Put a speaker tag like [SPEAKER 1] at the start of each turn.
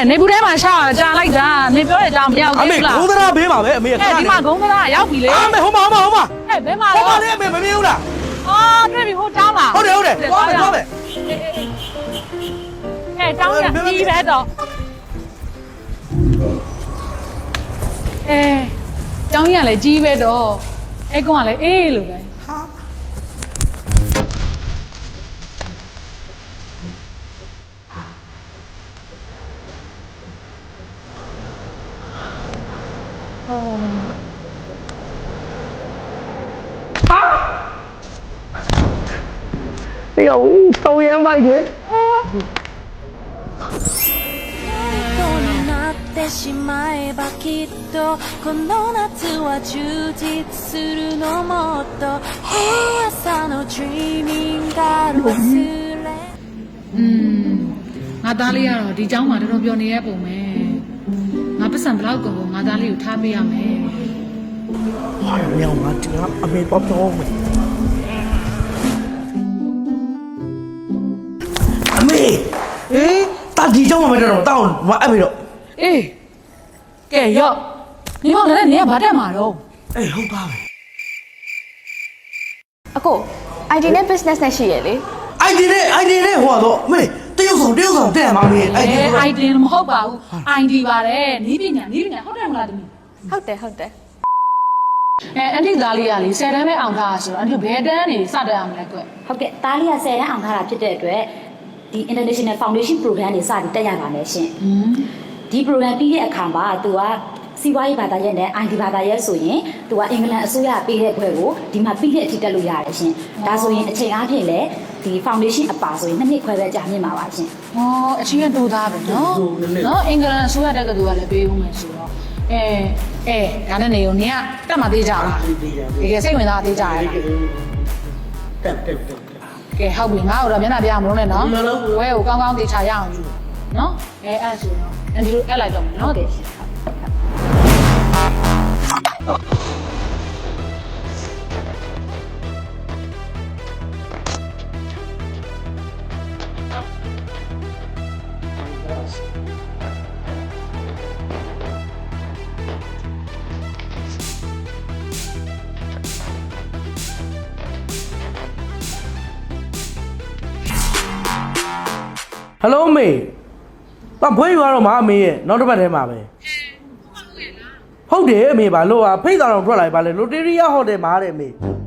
[SPEAKER 1] နေဘူးထဲမှာရှာကြာလိုက်တာနေပြောတဲ့အကြောင်းမရောက်
[SPEAKER 2] အမေ
[SPEAKER 1] ဘူးလား
[SPEAKER 2] ဂုံးသရာဘေးပါပဲအမေခဏ
[SPEAKER 1] ဒီမှာဂုံးသားရောက်ပြီလေ
[SPEAKER 2] အမေဟိုမှာ
[SPEAKER 1] ဘယ်မှာ
[SPEAKER 2] ဟို
[SPEAKER 1] လဲ
[SPEAKER 2] မှာလေအမေမမြင်ဘူးလား
[SPEAKER 1] အော်တွေ့ပြီဟိုတောင်းလား
[SPEAKER 2] ဟုတ်တယ်သွားမယ်
[SPEAKER 1] တောင်းရပြီးပဲတော့တောင်းရလည်းကြီးပဲတော့အဲ့ကောင်ကလည်းအေးလို့ပဲ
[SPEAKER 2] 哎呀，抽烟吧你。
[SPEAKER 3] しまえばきっとこの夏は充実するのもっと朝の dreaming が忘れ
[SPEAKER 1] ငါသားလေးကတော့ဒီเจ้าမှာတော်တော်ပြောနေရပုံပဲငါပတ်စံဘလောက်ကုန်ငါသားလေးကိုထားပေးရမယ်
[SPEAKER 2] 哎呀，喵啊，这个阿妹包装没？阿妹，哎，大地叫我们这种，到我阿妹了。
[SPEAKER 1] အေးကဲရော့နေမောင်လည်းနေကဘာတက်မှာတော့
[SPEAKER 2] 哎，好大呗。
[SPEAKER 4] အကို ID နဲ့ business နဲ့ရှိရလေ
[SPEAKER 2] ID 呢，话多，妹，这有手带嘛妹，ID。
[SPEAKER 1] ID မဟုတ်ပါဘူး ID ပါတယ်နီးပညာဟုတ်တယ်မလားတမီး
[SPEAKER 4] ဟုတ်တယ်
[SPEAKER 1] အန်တီသားလေးကလေ10တန်းပဲအောင်ထားဆိုတော့အန်တီဘယ်တန်းနေစတက်အောင်လဲကွ
[SPEAKER 5] ဟုတ်ကဲ့တားလေးက10တန်းအောင်ထားတာဖြစ်တဲ့အတွက်ဒီ International Foundation Program တွေစပြီးတက်ရပါမယ်ရှင်ဒီ program ပြီးတဲ့အခါမှာသူကစီးပွားရေးဘာသာရပ်နဲ့ ID ဘာသာရပ်ဆိုရင်သူကအင်္ဂလန်အစိုးရပေးတဲ့ဘွဲကိုဒီမှာပြီးတဲ့အထိတက်လို့ရတယ်ရှင်ဒါဆိုရင်အချိန်အားဖြင့်လည်းဒီ foundation အပါဆိုရင်2နှစ်ခွဲပဲကြာမြင့်ပါပါရှင်
[SPEAKER 1] ဟောအချင်းတိုးသားပဲနော်အင်္ဂလန်အစိုးရတက်ကတူကလည်းပေးဦးမယ်ဆိုတော့ဒါနဲ့နေုံနေကတက်မှသေးကြလားတကယ်စိတ်ဝင်စားသေးကြရလား ကဲဟုတ်ပြီငါ့ကိုတော့မျက်နှာပြမလို့နဲ့နော်ဝဲကိုကောင်းကောင်းသေချာရအောင်ယူနော်အဲ့ဆိုတော့အန်ဒီလိုအဲ့လိုက်တော့မယ်နော်တဲ့
[SPEAKER 2] Hello မေ။ဘာဘွေးရွာတော့မအမေရဲ့နောက်တစ်ပတ်ထဲမှာပဲ။ဟုတ်တယ်အမေပါလို့ဖိတ်တော်တော်ထွက်လာပြီပါလေလိုတေရီယာဟိုတယ်မှာတဲ့မေ။